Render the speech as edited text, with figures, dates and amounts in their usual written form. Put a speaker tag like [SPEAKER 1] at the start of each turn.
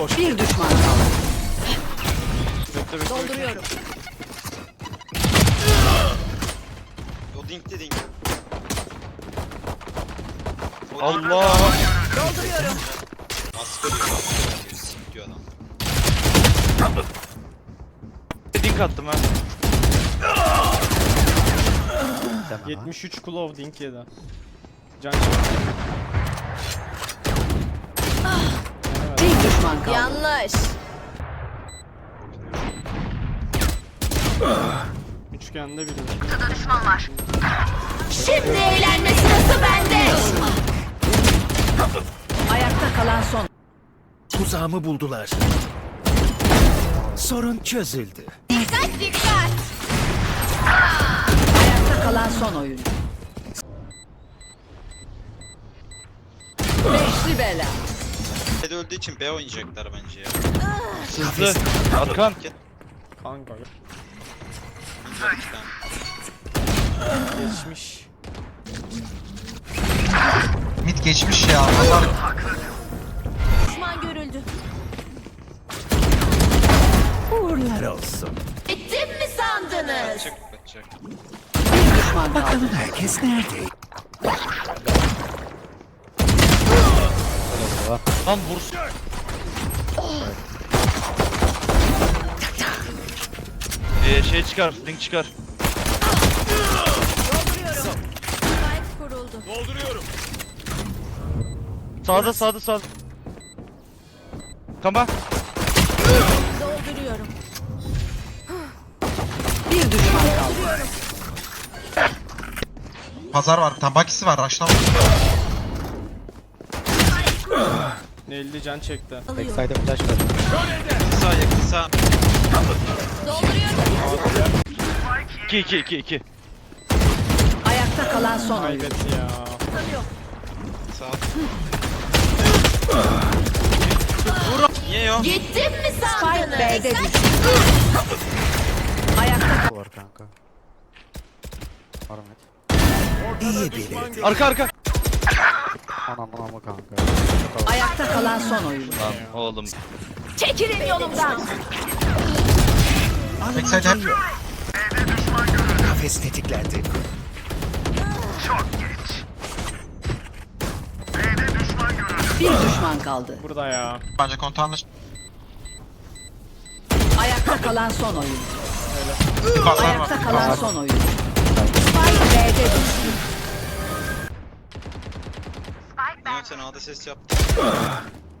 [SPEAKER 1] boş.
[SPEAKER 2] Bir düşman kaldı.
[SPEAKER 3] Dolduruyorum.
[SPEAKER 4] O dinkli dink.
[SPEAKER 1] Allah.
[SPEAKER 3] Dolduruyorum.
[SPEAKER 4] Asgari diyor. Sik diyor adam.
[SPEAKER 1] Dink attım ha.
[SPEAKER 5] 73 Claw Dink yedi. Can
[SPEAKER 2] Bir düşman kaldı.
[SPEAKER 3] Yanlış.
[SPEAKER 5] üçgende biri.
[SPEAKER 3] Şimdi eğlenme sırası bende.
[SPEAKER 2] Ayakta kalan son.
[SPEAKER 6] Tuzağımı buldular. Sorun çözüldü.
[SPEAKER 3] Dikkat dikkat.
[SPEAKER 2] Ayakta kalan son oyuncu. Beşli bela.
[SPEAKER 4] B'de öldüğü için B oynayacaklar bence ya.
[SPEAKER 1] Hızlı. Arkan.
[SPEAKER 5] Kanka
[SPEAKER 4] Bunlar iki tane.
[SPEAKER 5] geçmiş.
[SPEAKER 7] Mid geçmiş ya. Pazar
[SPEAKER 3] Düşman görüldü.
[SPEAKER 6] Uğurlar olsun.
[SPEAKER 3] Bittim mi sandınız?
[SPEAKER 4] Kaçacak.
[SPEAKER 2] Bir düşman kaldı.
[SPEAKER 6] Bakalım herkes nerede?
[SPEAKER 1] Lan vursun. Şey çıkar. Dink çıkar.
[SPEAKER 3] Dolduruyorum. Spike kuruldu.
[SPEAKER 1] Sağda. Kama.
[SPEAKER 3] Dolduruyorum.
[SPEAKER 2] Bir düşman kaldı.
[SPEAKER 7] pazar var. Tam bakisi var. Raşlama.
[SPEAKER 5] 50 can çekti.
[SPEAKER 3] Alıyorum.
[SPEAKER 4] Sağ yakın sağ.
[SPEAKER 3] Dolduruyorum.
[SPEAKER 1] 2.
[SPEAKER 2] Ayakta kalan son oyuncu.
[SPEAKER 5] Kaybetti ya.
[SPEAKER 4] Sağ. Niye ya?
[SPEAKER 3] Gittim mi
[SPEAKER 2] Spike
[SPEAKER 3] sandınız?
[SPEAKER 2] B'de düştü. Ayakta
[SPEAKER 8] Var kanka. Armet.
[SPEAKER 6] İyi biri.
[SPEAKER 1] Arka.
[SPEAKER 8] Anam kanka.
[SPEAKER 2] ayakta kalan son oyuncu.
[SPEAKER 1] Lan oğlum.
[SPEAKER 3] Çekilin yolumdan.
[SPEAKER 7] Backside hep.
[SPEAKER 6] Kafes tetiklendi.
[SPEAKER 2] Bir düşman kaldı.
[SPEAKER 5] Burada ya.
[SPEAKER 7] Bence kontağınla
[SPEAKER 2] Ayakta kalan son oyuncu.
[SPEAKER 7] pazar var.
[SPEAKER 2] Ayakta kalan son oyuncu. Spike B'de düştü.
[SPEAKER 4] Niye sen A'da ses yaptın?